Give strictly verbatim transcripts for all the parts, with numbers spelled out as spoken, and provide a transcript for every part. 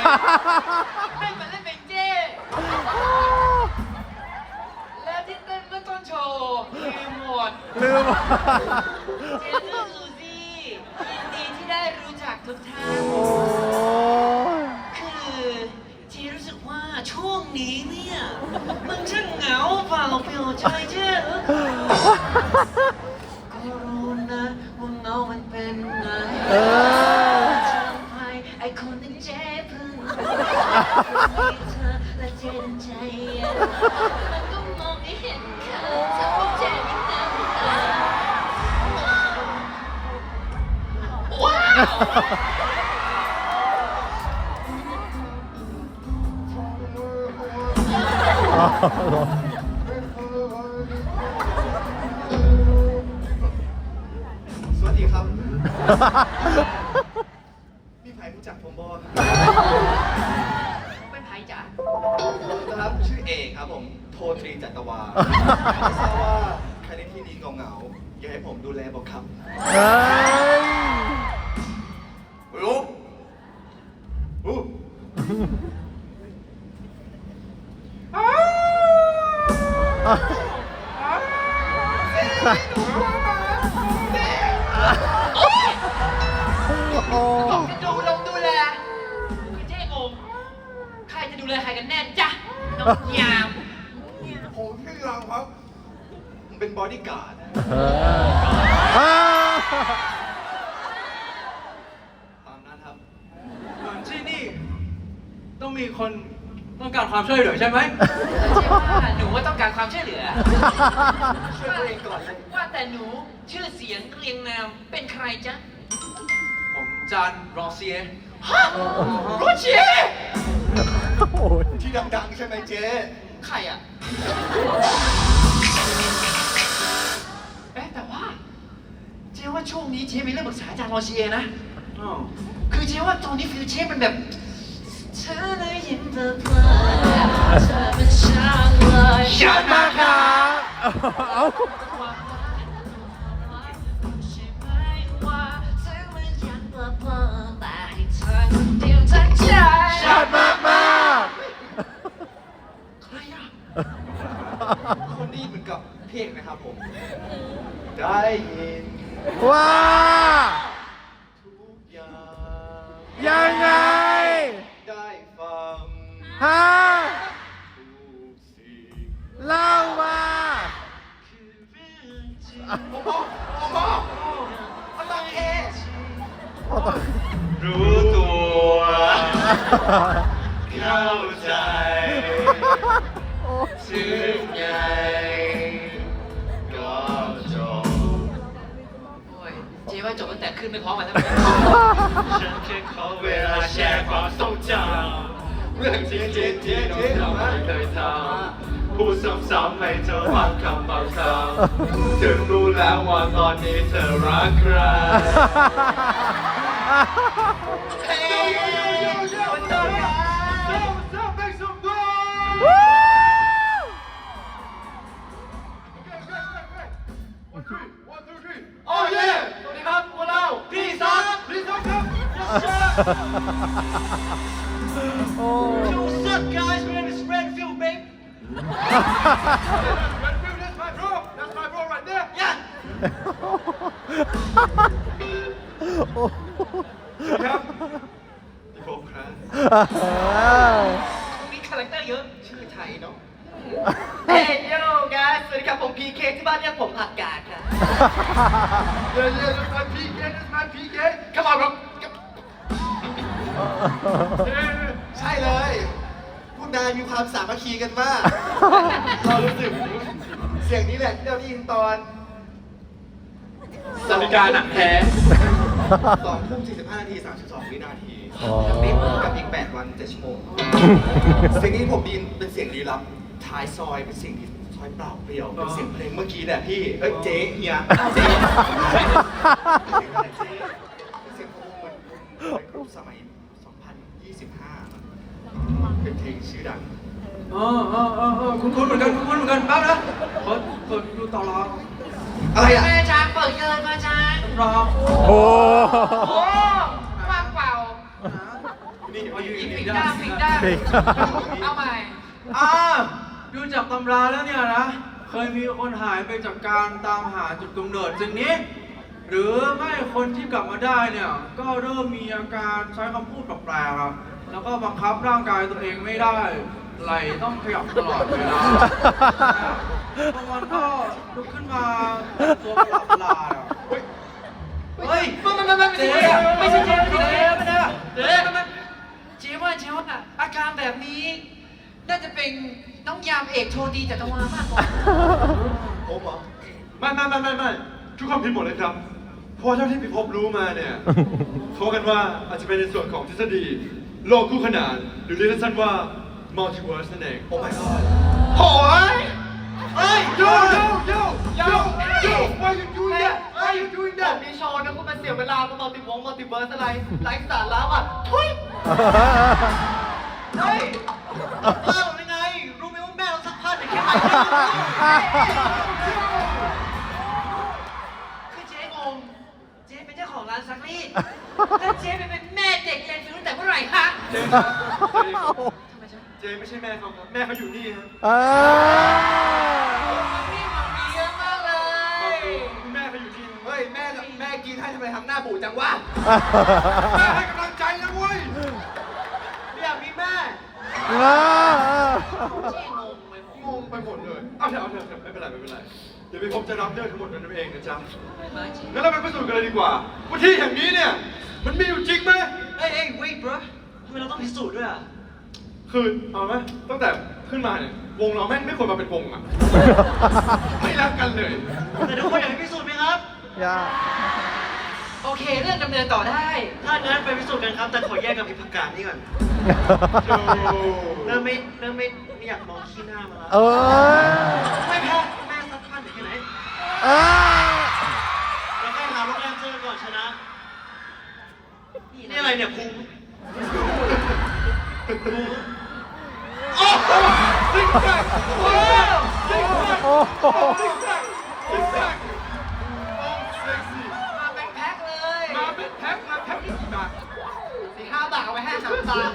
ให้มันเล่นเป็นเจ้แล้วที่เต้นเมื่อต้นโชว์ลืมหมดลืมเจนซูซี่ยินดีที่ได้รู้จักทุกท่านโอ้ยคือเจรู้สึกว่าช่วงนี้เนี่ยมันช่างเหงาเปล่าเปลี่ยวใจเจ้ก็รู้นะว่าเงามันเป็นไงเออทำให้ไอ้คนที่เจ๊พึ่งมีเธอและเจนใจมันก็มองไม่เห็นเขาจะพบเจนอีกน้ำตาว้าวสวัสดีครับ พี่ไผ่รู้จักผมบอเป็นไผ่จ๋าครับชื่อเอกครับผมโทตรีจัตวาไม่ทราบว่าใครในที่นี้เหงาๆอยากให้ผมดูแลบอกครับเฮ้ยรู้อู้โอ้บอกจะดูลงดูแลคือเจ๊งงใครจะดูแลใครกันแน่จ๊ะน้องยามผมชื่อเราครับผมเป็นบอดี้การ์ดเอออ้าวตามนั้นครับที่นี่ต้องมีคนต้องการความช่วยเหลือใช่ไหมเจ๊ว่าหนูว่าต้องการความช่วยเหลือช่วยตัวเองก่อนเลยว่าแต่หนูชื่อเสียงเรียงนามเป็นใครจ๊ะผมจานรอเซียฮะรู้เชียโอ้ยที่ดังๆใช่ไหมเจ๊ใครอ่ะเอ๊ะแต่ว่า เจ๊ว่าช่วงนี้เจ๊มีเรื่องปรึกษาอาจารย์รอเชียนะอ๋อคือเจ๊ว่าตอนนี้ฟิวเจ๊มันแบบเธอได้ยินเธอเพลงเธอเป็นช่างเลยชัดมากครับเอาใช่ไหมว่าเธอมันยังเบลอเบลอแต่ให้เธอคนเดียวทั้งใจชัดมากมากใครอ่ะคนนี้เหมือนกับเพลงนะครับผม ได้ยินว่าทุกอย่างยังไงได้ฟังฮะทุกสิ่งเล่ามาคือเรื่องจริงโอ้โหโอ้โหเอาตองเครู้ตัวเข้าใจถึงไงก็จบโอ้ยเจ๊ว่าจบตั้งแต่ขึ้นไม่พร้อมกันแล้วฉันแค่ขอเวลาแชร์ความทรงจำเรื่องจริงๆที่น้องทำไม่เคยทำพูดซ้ำๆให้เธอฟังคำบางคำถึงรู้แล้วว่าตอนนี้เธอรักใครเฮ้ยมันโดนอ่ะโอ้เย่สวัสดีครับพวกเราพี่ซักพี่ซักครับโอ้ What's up guys my name is Redfield babe Redfield that's my bro that's my bro right there yeah โอ้ครับพี่ผมครับมีคาแรคเตอร์เยอะชื่อไทยเนาะ Hey yo guys สวัสดีครับผม พี เค ที่บ้านเรียกผมผักกาดครับเย่เย่ that's my พี เค that's my พี เค come on bro ใช่เลยพวกนายมีความสามัคคีกันมาก เรารู้สึกเสียงนี้แหละที่เราได้ยินตอนสามิกาหนักแท้สองทุ่มสี่สิบห้านาทีสามสิบสองวินาทีอ๋อกับอีกแปดวันเจ็ดชั่วโมง เสียงนี้ผมได้ยินเป็นเสียงลี้ลับท้ายซอยเป็นเสียงที่ซอยเปล่าเปลี่ยวเป็นเสียงเพลงเมื่อกี้เนี่ยพี่เอ้ยเจ๊เฮียเจ๊เสียงอะไรเจ๊เป็นเสียงของวงในกลุ่มสมัยสองพันยี่สิบห้าเป็นเพลงชื่อดังอ๋ออ๋ออ๋อคุณคุณเหมือนกันคุณคุณเหมือนกันแป๊บนะเปิดเปิดดูต่อรออะไรอ่ะแม่ช้างเปิดเกินมาช้างรอโอ้โอ้ว่างเปล่านี่เอาอยู่อีอีกกนิอีดกเดียวด้านอีกด้านเอาใหม่อ่าดูจากตำราแล้วเนี่ยนะ เคยมีคนหายไปจากการตามหาจุดกำเนิดสิ่งนี้ หรือไม่คนที่กลับมาได้เนี่ย ก็เริ่มมีอาการใช้คำพูดแปลกๆครับแล้วก็บังคับร่างกายตัวเองไม่ได้ ไหลต้องขยับตลอดเวลาบางวันก็ลุกขึ้นมาตัวประหลาดๆอ่ะเฮ้ยเฮ้ยไม่ไม่ไม่ไม่ใช่เจ๊ไม่ใช่เจ๊ไม่ใช่เจ๊ไม่ได้เจ๊เจ๊ว่าเจ๊ว่าอาการแบบนี้ น่าจะเป็นน้องยามเอกโชดีจัตวามากกว่าผมเหรอไม่ไม่ไม่ไม่ไม่ทุกคนผิดหมดเลยครับ เพราะเท่าที่พี่พบรู้มาเนี่ยเขาว่ากันว่าอาจจะเป็นในส่วนของทฤษฎีโลกคู่ขนานหรือเรียกสั้นๆว่า multiverse นั่นเองโอ้ my god โอ้ยเฮ้ย yo yo yo yo yo why you doing that why you doing ผม that มีโชว์นะคุณมาเสียเวลามามัลติวงมัลติเวิร์สอะไรไร้สาระอ่ะทุยเฮ้ยผ้าเป็นไง รู้ไหมว่าแม่เราซักผ้าแต่แค่ไหนคือเจ๊งงเจ๊เป็นเจ้าของร้านซักรีดแล้วเจ๊ไปเป็นแม่เด็กเรียนฟิวตั้งแต่เมื่อไหร่คะเจครับเจไม่ใช่แม่เขาครับแม่เขาอยู่นี่ครับเออนี่มันมีเยอะมากเลยคุณแม่เขาอยู่นี่เฮ้ย แม่แม่กินให้ทำไมทำหน้าบูดจังวะแม่ให้กำลังใจนะเว้ยไม่อยากมีแม่เออเจ๊งงไปหมดงงไปหมดเลย เอาเถอะเอาเถอะไม่เป็นไรไม่เป็นไร เดี๋ยวพี่พบจะรับเรื่องทั้งหมดนั้นเองนะจ๊ะมาเจ๊งั้นเราไปพิสูจน์กันเลยดีกว่าว่าที่แห่งนี้เนี่ย มันมีอยู่จริงไหมเอ้ยเอ้ย wait bro ทำไมเราต้องพิสูจน์ด้วยอ่ะคือเอาไหมตั้งแต่ขึ้นมาเนี่ยวงเราแม่งไม่ควรมาเป็นวงอ่ะ ไม่รักกันเลยแต่ทุกคนอยากให้พิสูจน์ไหมครับอย่าโอเคเรื่องดำเนินต่อได้ถ้างั้นไปพิสูจน์กันครับ แต่ขอแยกกับพิพักการนี่ก่อนโอ้เริ่มไม่เริ่มไม่ไม่อยากมองขี้หน้ามาแล้วเออไม่แพ้แม่ซักผ้าถึงแค่ไหนเออเราแค่หาโรงแรมเจอก่อนชนะ นี่อะไรเนี่ยพุงโอ้โหซิกแซกโอ้ซิกแซกโอ้โหซิกแซกซิกแซกโอ้เซ็กซี่มาเป็นแพ็คเลยมาเป็นแพ็คมาแพ็คกี่บาทสี่ห้าบาทเอาไว้ให้สามตา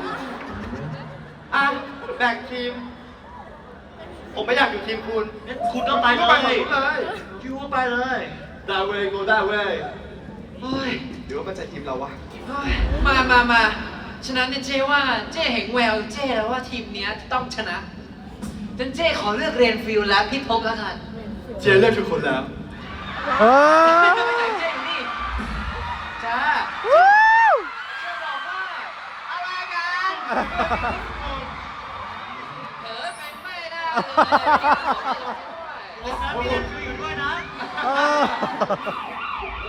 อ่ะแบ่งทีม ผมไม่อยากอยู่ทีมคุณ คุณก็ไปก็เลไปยหมดเลยยูก็ไปเลย that way go that way เฮ้ยหรือว่ามันจะทีมเราวะมามามาฉะนั้นเนี่ยเจ๊ว่าเจ๊เห็นแววเจ๊แล้วว่าทีมเนี้ยต้องชนะฉะนั้นเจ๊ขอเลือกเรียนฟิลและพี่พบแล้วกันเจเลือกทุกคนแล้วเอไม่อไปไหนเจ๊อยู่นี่จ้าวู้เจ๊บอกว่าอะไรกันเออเป็นไม่ได้เลยแล้วนะมีเรียนฟิวอยู่ด้วยนะเออ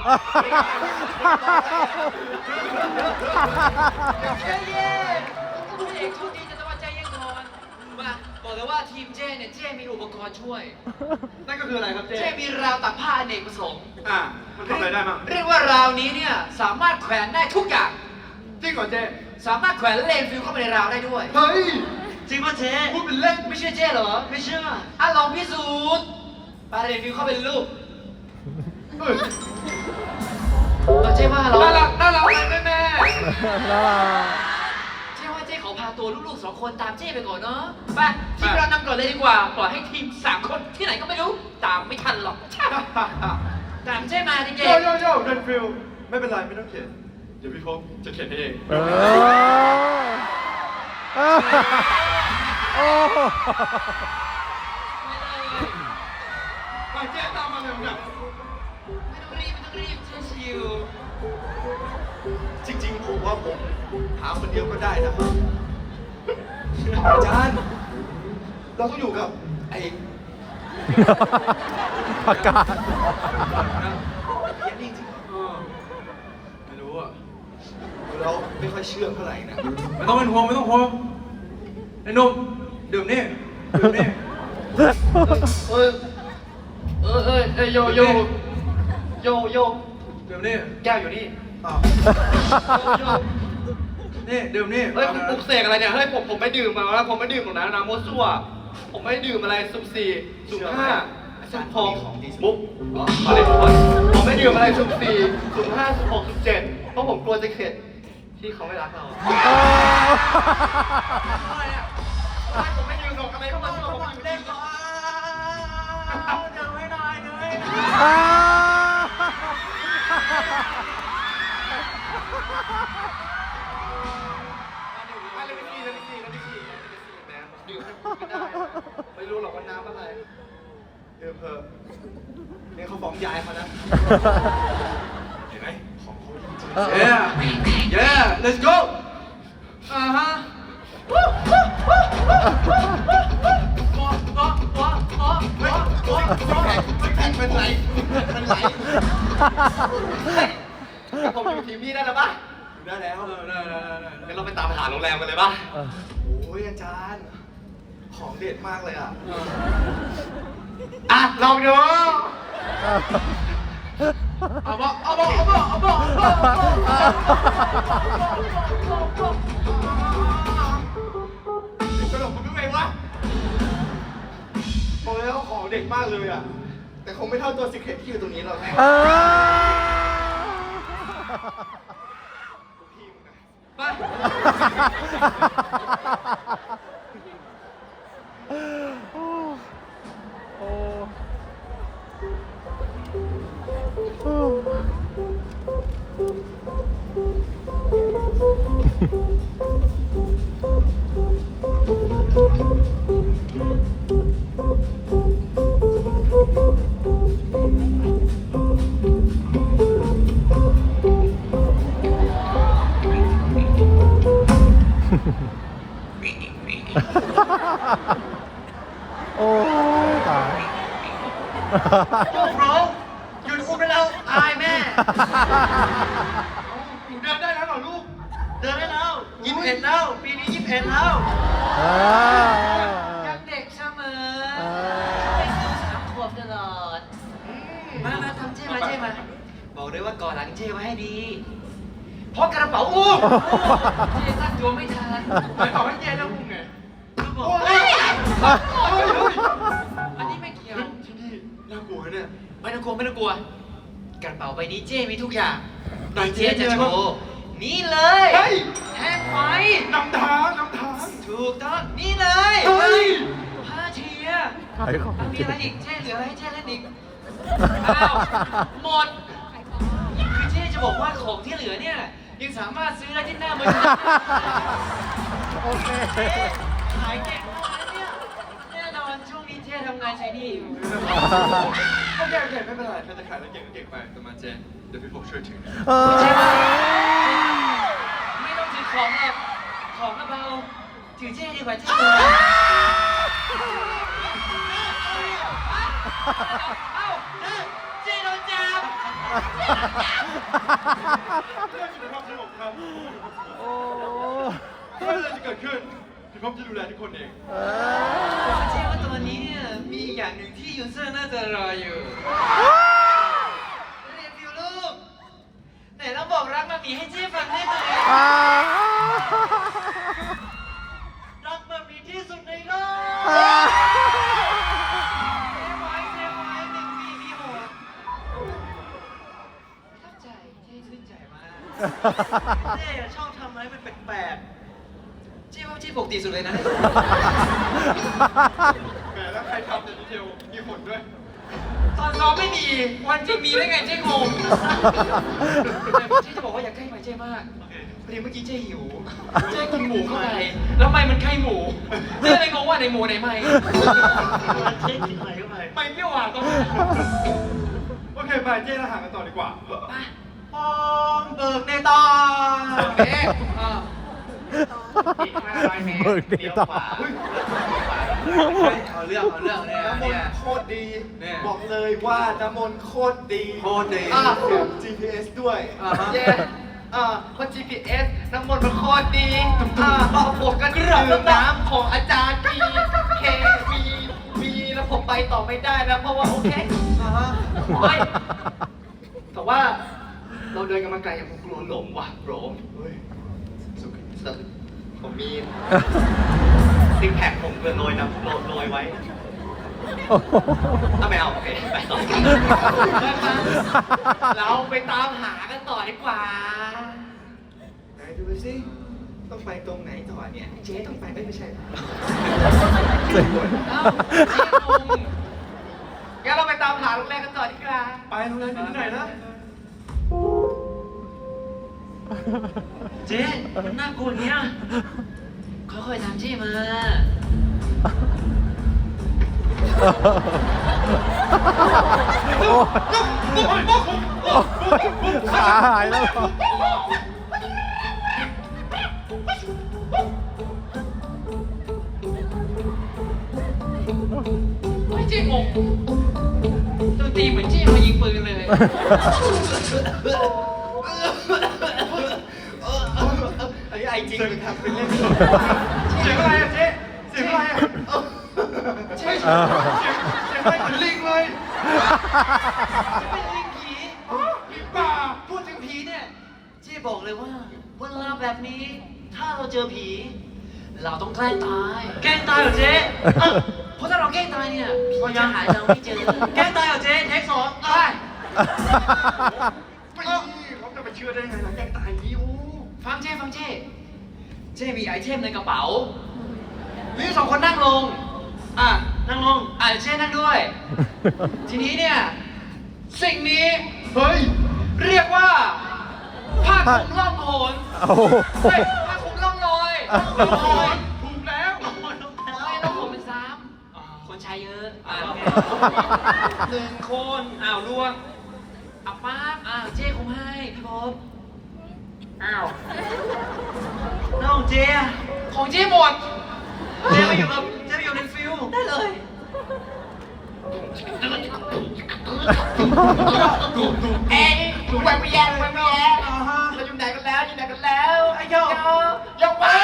ใจเย็นผู้เอกชุดนี้จะต้องมาใจเย็นก่อนมาบอกเลยว่าทีมเจ๊เนี่ยเจ๊มีอุปกรณ์ช่วยนั่นก็คืออะไรครับเจเจ๊มีราวตากผ้าอเนกประสงค์อ่ะมันทำอะไรได้บ้างเรียกว่าราวนี้เนี่ยสามารถแขวนได้ทุกอย่างจริงเหรอเจสามารถแขวนเลนฟิลเข้าไปในราวได้ด้วยเฮ้ยจริงป่ะเจ๊พูดเป็นเล่นไม่เชื่อเจ๊เหรอไม่เชื่ออ่ะลองพิสูจน์ปาเลนฟิลเข้าไปในรูปเฮ้ยเราเจ๊ว่าเราน่ารักน่ารักเลยแม่แม่น่ารักเจ๊ว่าเจ๊ขอพาตัวลูกๆสองคนตามเจ๊ไปก่อนเนาะไปทีมเรานำก่อนเลยดีกว่าปล่อยให้ทีมสามคนที่ไหนก็ไม่รู้ตามไม่ทันหรอกตามเจ๊มาดิเจ๊โยโยโย่เรนฟิลไม่เป็นไรไม่ต้องเขียน เดี๋ยวพี่พบจะเขียนให้เองเออเออโอ้โหไปเจ๊ตามมาเร็วเนี่ยไม่ต้องรีบไม่ต้องรีบเจ๊ชิวจริงๆ ผมว่าผมหาคนเดียวก็ได้นะครับอาจารย์ เราต้องอยู่กับไอ้ประกาศเพี้ยนนี่จริงเออไม่รู้อ่ะๆเราไม่ค่อยเชื่อเท่าไหร่นะไม่ต้องเป็นห่วงไม่ต้องห่วงไอ้หนุ่มดื่มนี่ดื่มนี่เออ เออเออเออโยโยโยโยดื่มนี่แก้วอยู่นี่อ้าวโยนี่ดื่มนี่เฮ้ยผมปลุกเสกอะไรเนี่ย เฮ้ยผมผมไม่ดื่มมาแล้วผมไม่ดื่มหรอกนะนะโมวซั่วผมไม่ดื่มอะไรสุ่มสี่สุ่มห้าสุ่มหกมุกอ๋อมาเลยทุกคนผมไม่ดื่มอะไรสุ่มสี่สุ่มห้าสุ่มหกสุ่มเจ็ดเพราะผมกลัวจะเข็ดที่เขาไม่รักเราอะไรอ่ะไม่ผมไม่ยืนหรอกอะไรเข้ามาที่เราผมอยู่เล่ที่นก่อนเดี๋ยวไม่ได้เดี๋ยวไม่ได้อ่าอะไรไม่ดีอะไรไม่ดีอะไรไม่ดีแม่ดื่มไม่ได้ไม่รู้หรอกว่าน้ำอะไรดื่มเถอะเนี่ยเขาฟ้องยายเขานะ เห็นไหมของเขาจริง Yeah yeah let's go อ่าฮะว้าวว้าวว้าวว้าวว้าวว้าวว้าวว้าวๆแข่งเป็นไรเป็นไรแต่ผมอยู่ทีมพี่ได้แล้วปะอยู่ได้แล้วได้ได้ได้ได้งั้นเราไปตามหาโรงแรมกันเลยปะโอ้ยอาจารย์ ของเด็ดมากเลยอ่ะอ่ะลองดูเอาบ่เอาบ่เอาบ่เอาบ่เอาบ่ตลกมันไม่ไหววะบอกเลยว่าของเด็ดมากเลยอ่ะ แต่คงไม่เท่าตัวสิเครตที่อยู่ตรงนี้หรอกเออพี่มึงนะไปโอ้โอ้โอ้ โอ้ยตายโอ้โหหยุดอุ้มได้แล้วอายแม่หนูเดินได้แล้วเหรอลูกเดินได้แล้วยี่สิบเอ็ดแล้ว ปีนี้ยี่สิบเอ็ดแล้วเออยังเด็กเสมอเออไปซื้อสามขวบตลอดมามาทำเจ้มาเจ้มา บอกเลยว่าก่อนหลังเจ้ไว้ให้ดี เพราะกระเป๋าอุ้มเจ้ตั้งตัวไม่ทันไม่บอกให้เจ๊แล้วมึงไงคือบอกโอ้ยอันนี้ไม่เกี่ยวที่นี่น่ากลัวเนี่ยไม่ต้องกลัวไม่ต้องกลัว กระเป๋าใบนี้เจ้มีทุกอย่างไหนเจ๊เจ๊จะโชว์นี่เลยเฮ้ยแท่งไฟนำทางนำทางถูกต้องนี่เลยเฮ้ยผ้าเชียร์ขายของอ่ะมีอะไรอีกเจ๊เหลืออะไรให้เจ๊เล่นอีกอ้าวหมดคือเจ๊จะบอกว่าของที่เหลือเนี่ยยังสามารถซื้อได้ที่หน้ามือถือโอเคขายเก่งมากนะเนี่ยแน่นอนช่วงนี้เจ๊ทำงานใช้หนี่อยู่โอเคโอเคไม่เป็นไรถ้าจะขายแล้วเก่งก็เก่งไปแต่มาเจนเดี๋ยวพี่ผมช่วยถือเออเจ๊มาไม่ต้องถือของหรอกของกระเบาถือเจ๊ดีกว่าเจ๊ตัวเอ้าเจ๊โดนจับเรื่องสุขภาพสงบครับโอ้ไม่เป็นไรจะเกิดขึ้นพี่พร้อมจะดูแลทุกคนเองเอผมเชื่อว่าตัวนี้เนี่ยมีอย่างหนึ่งที่ยูเซอร์น่าจะรออยู่เรียนฟิวลูกไหนเราบอกรักมามีให้เจ๊ฟังได้ไหมอ่ารักมามีที่สุดในโลกอ่าเจ๊ไว้เจ๊ไว้หนึ่งปีมีหกประทับใจเจ๊ชื่นใจมากเจ๊อะชอบทำอะไรมันแปลกๆเจ๊ว่าเจ๊ปกติสุดเลยนะแหมแล้วใครทำแต่ดีเทลมีผลด้วยตอนซ้อมไม่มีวันจริงมีได้ไงเจ๊งงแต่เจ๊จะบอกว่าอย่าใกล้ไปเจ๊มากโอเคพอดีเมื่อกี้เจ๊หิว เจ๊กินหมูเข้าไป แล้วไม่มันไข่หมู เจ๊เลยงงว่าในหมูในไม่เจ๊กินอะไรเข้าไปไม่เปรี้ยวหวานตรงนั้นโอเคไปเจ๊ทหารกันต่อดีกว่าไปพร้อมเบิกในตาโอเคอ่าอีกห้าร้อยเมตรเบิกดีต่อเอาเรื่องเอาเรื่องเนี่ยน้ำมนเนี่ยต์โคตรดีเนี่ยบอกเลยว่าน้ำมนต์โคตรดีโคตรดีอ่ะแถม จี พี เอส ด้วยอ่าฮะเย้อ่าเพราะ จี พี เอส น้ำมนต์มันโคตรดีอ่าเราผมกันดื่มน้ำของอาจารย์มีเคมีมีแล้วผมไปต่อไม่ได้นะเพราะว่าโอเคอ่าฮะเฮ้ยแต่ว่าเราเดินกันมาไกลอย่างผมกลัวหลงว่ะโหลมเฮ้ยสุขสันต์ผมมีซิกแพคผมเกินโรยนะโรยโรยไว้ถ้าไม่เอาโอเคไปต่อเราไปตามหากันต่อดีกว่าไหนดูไปดูสิต้องไปตรงไหนต่อเนี่ยเจ๊ต้องไปไม่ไม่ใช่เอ้าเจ๊งงงั้นเราไปตามหาโรงแรมกันต่อดีกว่าไปโรงแรมอยู่ที่ไหนนะเจ๊มันน่ากลัวอย่างเงี้ยค่อยๆทำเจ๊มาขาหายแล้วเหรอไม่เจ๊งงตัวตีเหมือนเจ๊มายิงปืนเลยไอ้ไอจริงหรือทำเป็นเล่นเสียงอะไรอะเจ๊เสียงอะไรอะใช่เออเสียงอะไรเหมือนลิงเลยเป็นลิงผีลิงป่าพูดถึงผีเนี่ยเจ๊บอกเลยว่าเวลาแบบนี้ ถ้าเราเจอผี เราต้องแกล้งตาย แกล้งตายเหรอเจ๊เออเพราะถ้าเราแกล้งตายเนี่ยผีจะหายเราไม่เจอ แกล้งตายเหรอเจ๊เทคสองได้ไม่เขาจะไปเชื่อได้ไงหลังแกตายอย่างนี้โอ้ฟังเจ๊ฟังเจ๊เจ๊มีไอเทมในกระเป๋าวิวสองคนนั่งลง อ่ะ นั่งลง อ่ะเจ๊นั่งด้วย ทีนี้เนี่ย สิ่งนี้เฮ้ยเรียกว่าผ้าคลุมล่องหนโอ้โหเฮ้ยผ้าคลุมล่องลอยล่องลอยถูกแล้วไม่ล่องหนเป็นซ้ำคนใช้เยอะ อ่ะโอเคหนึ่งคน อ้าวล่วงอ่ะป๊าบอ่ะเจ๊คงให้พี่พบอ้าวน้องเจ๊อะของเจ๊หมด เจ๊ไปอยู่กับเจ๊ไปอยู่ในฟิลได้เลยเอ้ยแหวกไปแย่แหวกไปแย่เราอยู่ไหนกันแล้วอยู่ไหนกันแล้วไอ้โยโยกไป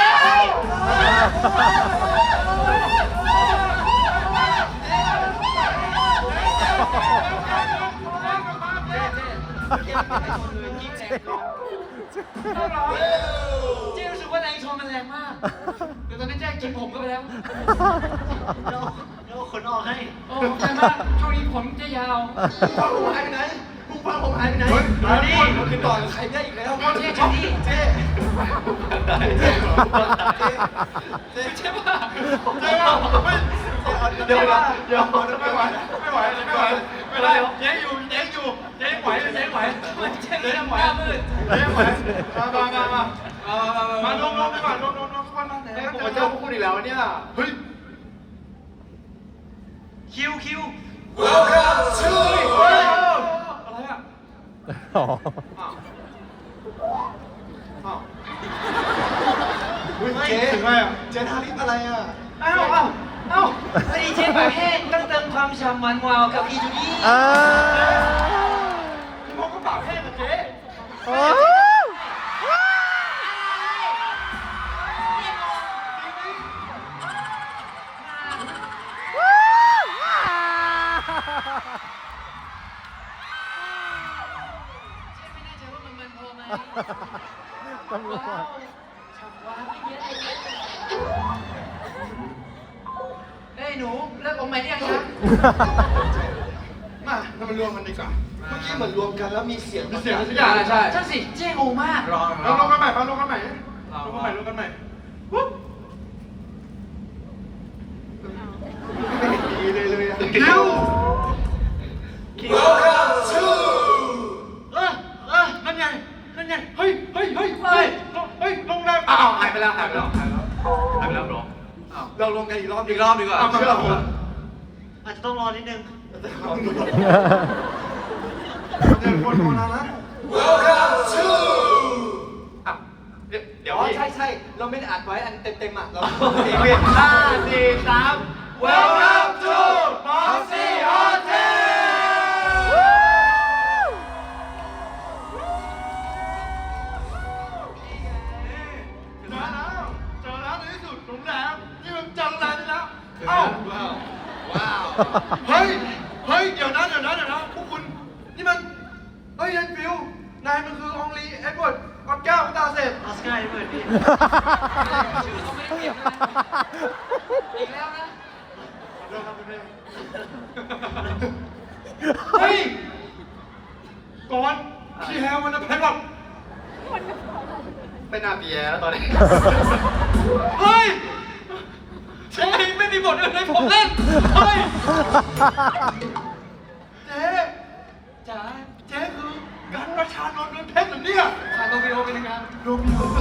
เจ๊รู้สึกว่าแรงชนมันแรงมาก เดี๋ยวตอนนี้เจ๊กินผมก็ไปแล้วเราเราขนออกให้โอ้ใช่มากช่วงนี้ผมจะยาวฟังผมหายไปไหนมึงฟังผมหายไปไหนเฮ้ยมาดิผมติดต่อกับใครได้อีกแล้วเจ๊เจ๊นี่เจ๊เจ๊ใช่ป่ะเจ๊ว่าไม่เดี๋ยวนะเดี๋ยวไม่ไหวไม่ไหวไม่ไหวไม่ได้เจ๊อยู่เจ๊อยู่เจ๊ไหวเจ๊ไหวเจ๊ไม่ทำหน้ามืดเจ๊ไหวมามามามามาลงลงไปก่อนลงลงลงทุกคนมาไหนผมมาเจอพวกคุณอีกแล้วเนี่ยเฮ้ยคิวคิว Welcome to เฮ้ยอะไรอ่ะอ๋ออ้าวอ้าวเฮ้ยเจ๊ถึงไงอ่ะเจ๊ทาลิปอะไรอ่ะอ้าวอ้าวอ้าวไอ้เจ๊ปากแห้งต้องเติมความฉ่ำมันวาวกับอีจูดี้อ่าคุณพ่อก็ปากแห้งกับเจ๊โอ้ตำรวจเฮ้ยหนูเลิกอมใหม่ได้ยังคะมาเรามารวมกันดีกว่า เมื่อกี้เหมือนรวมกันแล้วมีเสียงมีเสียงทุกอย่างใช่ใช่สิเจ๊งงมากรอเราลงกันใหม่มาลงกันใหม่ลงกันใหม่ลงกันใหม่ปุ๊บไม่เห็นดีเลยเลยอะคิว Welcome to เออเออนั่นไงนั่นไงเฮ้ยเฮ้ยเฮ้ยเฮ้ยเฮ้ยลงแรงอ้าวหายไปแล้วหายไปแล้วหายไปแล้วหายไปแล้วหรอเรารวมกันอีกรอบอีกรอบดีกว่าเชื่อผมอาจจะต้องรอนิดนึงเดี๋ยวคนโทรมานะ Welcome to อ่ะเดี๋ยวเดี๋ยวอ๋อพี่ใช่ใช่เราไม่ได้อัดไว้อันเต็มๆอ่ะเราเพียงห้าสี่สาม Welcome to Moxie Hotel เจอแล้วเจอแล้วในที่สุดโรงแรมนี่มันเจอโรงแรมนี่แล้วเอ้าว้าวว้าวเฮ้ยเฮ้ยเดี๋ยวนะเดี๋ยวนะเดี๋ยวนะพวกคุณนี่มันเฮ้ยยันฟิวนายมันคือองลีเอ็ดเวิร์ดกอดแก้วพิตาเสร็จออสการ์เปิดพี่ชื่อเขาไม่ได้เปลี่ยนเลยอีกแล้วนะเริ่มครับคุณเพ่เฮ้ยก่อนพี่แฮวมันจะเป็นแบบเป็นอาเบียแล้วตอนนี้เฮ้ยเจ๊ไม่มีบทอื่นให้ผมเล่น เฮ้ยเจ๊จ๋าเจ๊คือการประชานนท์นนเพชรเหรอเนี่ยขาดโรมิโอเป็นยังไงโรมิโอ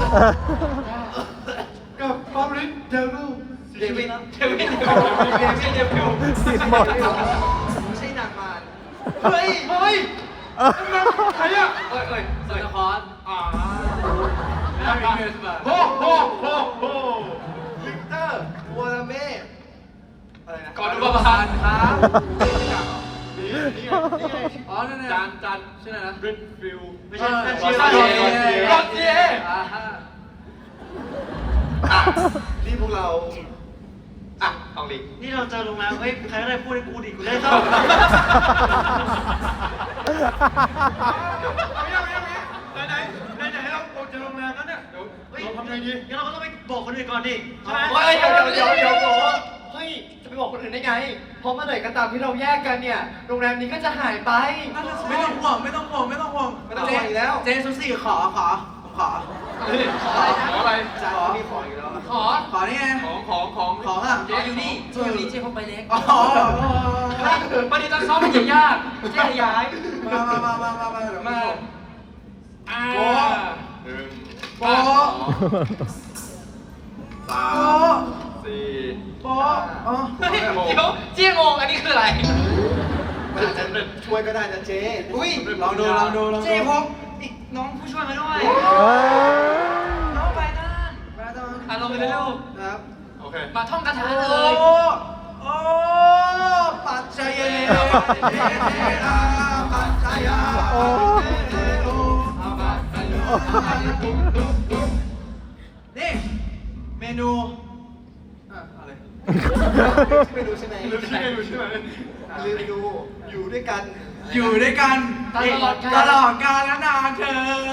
กับฟาบริสเดวิลเดวิดเดวิดเดวิดไม่ใช่เดวิดผิดหมดไม่ใช่นางมารเฮ้ย เฮ้ยนั่นมันใครอะเอ้ยเอ้ยโซนคอร์สอ่าแล้วมีเมสมาโฮโฮโฮโฮลิกเตอร์วอลเม่อะไรนะก่อนอุปทานครับนี่นี่ไงนี่ไงอ๋อนั่นไงจานจานชื่ออะไรนะริดฟิลไม่ใช่ไม่ไม่ใช่ใช่รอเจียรอเจียอ่าฮะอ่ะนี่พวกเรา อ่ะเอาลิงนี่เราเจอโรงแรมเฮ้ยใครก็ได้พูดให้กูดิกูได้เข้าเอาอย่างนี้เอาอย่างนี้ไหนไหนไหนไหนเราเราจะโรงแรมแล้วเนี่ยเดี๋ยวเฮ้ยเราทำไงดีงั้นเราก็ต้องไปบอกคนอื่นก่อนดิใช่ไหมเฮ้ยเดี๋ยวเดี๋ยวเดี๋ยวเดี๋ยวเฮ้ย จะไปบอกคนอื่นได้ไง เพราะเมื่อไหร่ก็ตามที่เราแยกกันเนี่ย โรงแรมนี้ก็จะหายไปไม่ต้องห่วงไม่ต้องห่วงไม่ต้องห่วงไม่ต้องห่วงอีกแล้วเจซูซี่ขอขอผมขอขออะไรนะขออะไรจานขอมีขออีกแล้วขอขอนี่ไงของของของของอ่ะเจ๊อยู่นี่เจ๊อยู่นี่เจ๊เขาไปเล็กอ๋อประเด็นตอนซ้อมมันจะยากเจ๊ย้ายมามามามามามาเดี๋ยวมาอ่าโป๊ะโป๊ะสามสี่โป๊ะอ๋อเฮ้ยเดี๋ยวเจ๊งงอันนี้คืออะไรมันอาจจะช่วยก็ได้นะเจ๊อุ้ยลองดูลองดูลองดูเจ๊พกอีกน้องผู้ช่วยมาด้วยเฮ้ยน้องไปนั่นมาตอนอ่ะลงไปเลยลูกครับ โอเคมาท่องคาถาโอ้เลยโอ้ปัจจเยเทระปัจจยาโอ้นี่เมนูอ่ะอะไรไม่รู้ใช่ไหมลืมชื่อเมนูใช่ไหมลืมดูอยู่ด้วยกันอยู่ด้วยกันตลอดกาลตลอดกาลและนานเธอ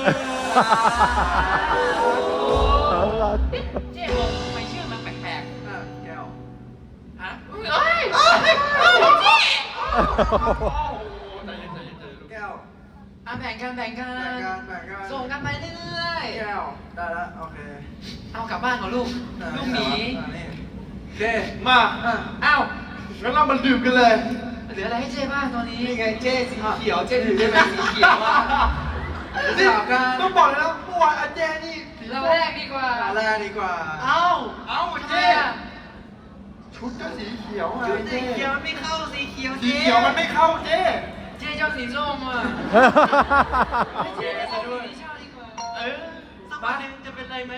เจ๊งงทำไมชื่อมันแปลกอ่ะแก้วๆฮะเอ้ยเอ้ยเอ้ยเจ๊ใจเย็นใจเย็นใจเย็นลูกแก้วอ่ะแบ่งกันแบ่งกัแบ่งกันนแบ่งกันส่งกันไปเรื่อยแก้วได้แล้วโอเคๆ เอากลับบ้านก่อนลูก ลูกหมีอ่ะนี่โอเคมาอ่ะอ้าวงั้นเรามาดื่มกันเลยเหลืออะไรให้เจ๊บ้างตอนนี้นี่ไงเจ๊สีเขียว เจ๊ถือได้ไหมสีเขียวอ่ะนี่ต้องบอกเลยนะเมื่อวานอาเจนี่เราแรกดีกว่าอะไรดีกว่าเอ้าเอ้าทำไมเจ๊อ่ะชุดก็สีเขียวไงสีเขียวมันไม่เข้าสีเขียวสีเขียวมันไม่เข้าเจ๊เจ๊เจ้าสีส้มอ่ะเจ๊ซะด้วยเออสักวันหนึ่งจะเป็นไรไหม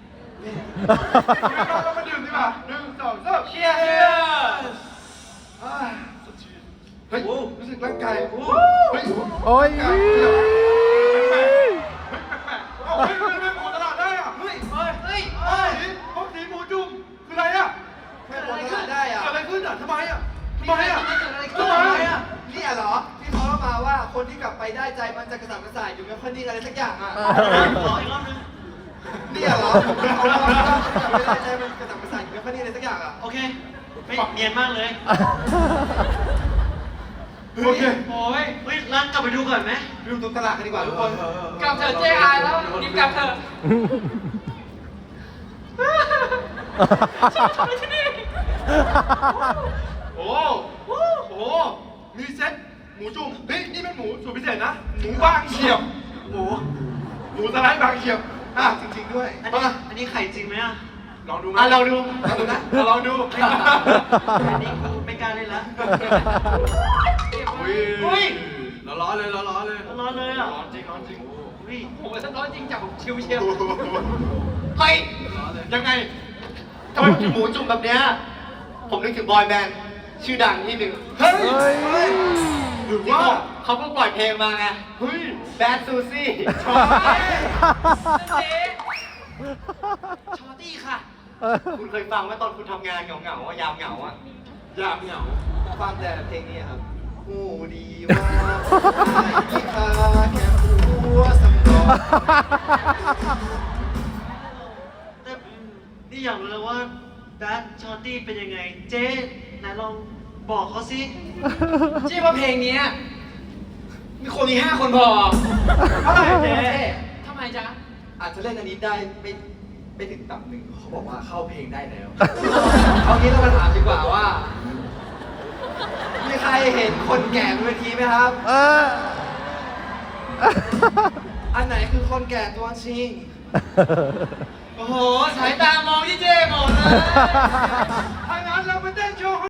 เรามาดื่มดีกว่าหนึ่งสองสามเชียร์อ่าเฮ้ย รู้สึกร่างกายเฮ้ยโอ้ยเฮ้ยมันเป็นหมูตลาดได้อ่ะเฮ้ยเฮ้ยเฮ้ยเฮ้ยพวกสีหมูจุ่มคืออะไรอ่ะแค่คนละได้อ่ะเกิดอะไรขึ้นอ่ะทำไมอ่ะทำไมอ่ะเกิดอะไรขึ้ทำนไมอ่ะเนี่ยเหรอ ที่เขาเล่ามาว่าคนที่กลับไปได้ใจมันจะกระสับกระส่ายอยู่ไม่ค่อยนิ่งอะไรสักอย่างอ่ะขออีกรอบนึงเนี่ยเหรอเขาเล่ามาว่าคนที่กลับไปได้ใจมันกระสับกระส่ายอยู่ไม่ค่อยนิ่งอะไรสักอย่างอ่ะโอเคไม่เนียนมากเลยโอเคโอ้ยเฮ้ยร้านกลับไปดูก่อนไหมดูตรงตลาดกันดีกว่าทุกคนกลับเถอะเจ๊อายแล้วรีบกลับเถอะโอ้โหโอ้มีเซ็ตหมูจุ่มเฮ้ยนี่เป็นหมูสูตรพิเศษนะ หมูบางเฉียบหมูหมูสไลด์บางเฉียบอ่ะจริงๆด้วยอันนี้อันนี้ไข่จริงไหมอ่ะลองดูไหมอ่ะลองดูลองดูนะลองดูอันนี้กูไม่กล้าเล่นละอุ้ยอุ้ยร้อนๆเลยร้อนๆเลยร้อนเลยอ่ะร้อนจริงร้อนจริงอุ้ยผมว่าถ้าร้อนจริงจับผมชิวเชียวเฮ้ยร้อนเลยยังไงทำไมถึงหมูจุ่มแบบเนี้ยผมนึกถึงบอยแบนด์ชื่อดังที่หนึ่งเฮ้ยเฮ้ยหรือที่ว่าเขาเขาเพิ่งปล่อยเพลงมาไงเฮ้ยแบดซูซี่เจ๊ชอตตี้ค่ะคุณเคยฟังไหมตอนคุณทำงานเหงาๆอะยามเหงาอะยามเหงาฟังแต่เพลงนี้ครับโอ้ดีว่าที่คาแค่หัวสำรองแต่นี่อยากรู้เลยว่าดัชชอตตี้เป็นยังไง เจ๊ไหนลองบอกเขาสิเจ๊ว่าเพลงเนี้ยมีคนมีห้าคนพอเท่าไหร่เจ๊ทำไมจ๊ะเอาจจะเล่นอันนี้ได้ไม่ไม่ถึงตับหนึ่งเขาบอกว่าเข้าเพลงได้แล้ว เอางี้เรามาถามดีกว่าว่า มีใครเห็นคนแก่บนเวทีไหมครับเอออันไหนคือคนแก่ตัวจริงโอ้โห สายตามองที่เจหมดเลย ถ้างั้นเราไปเต้นโชว์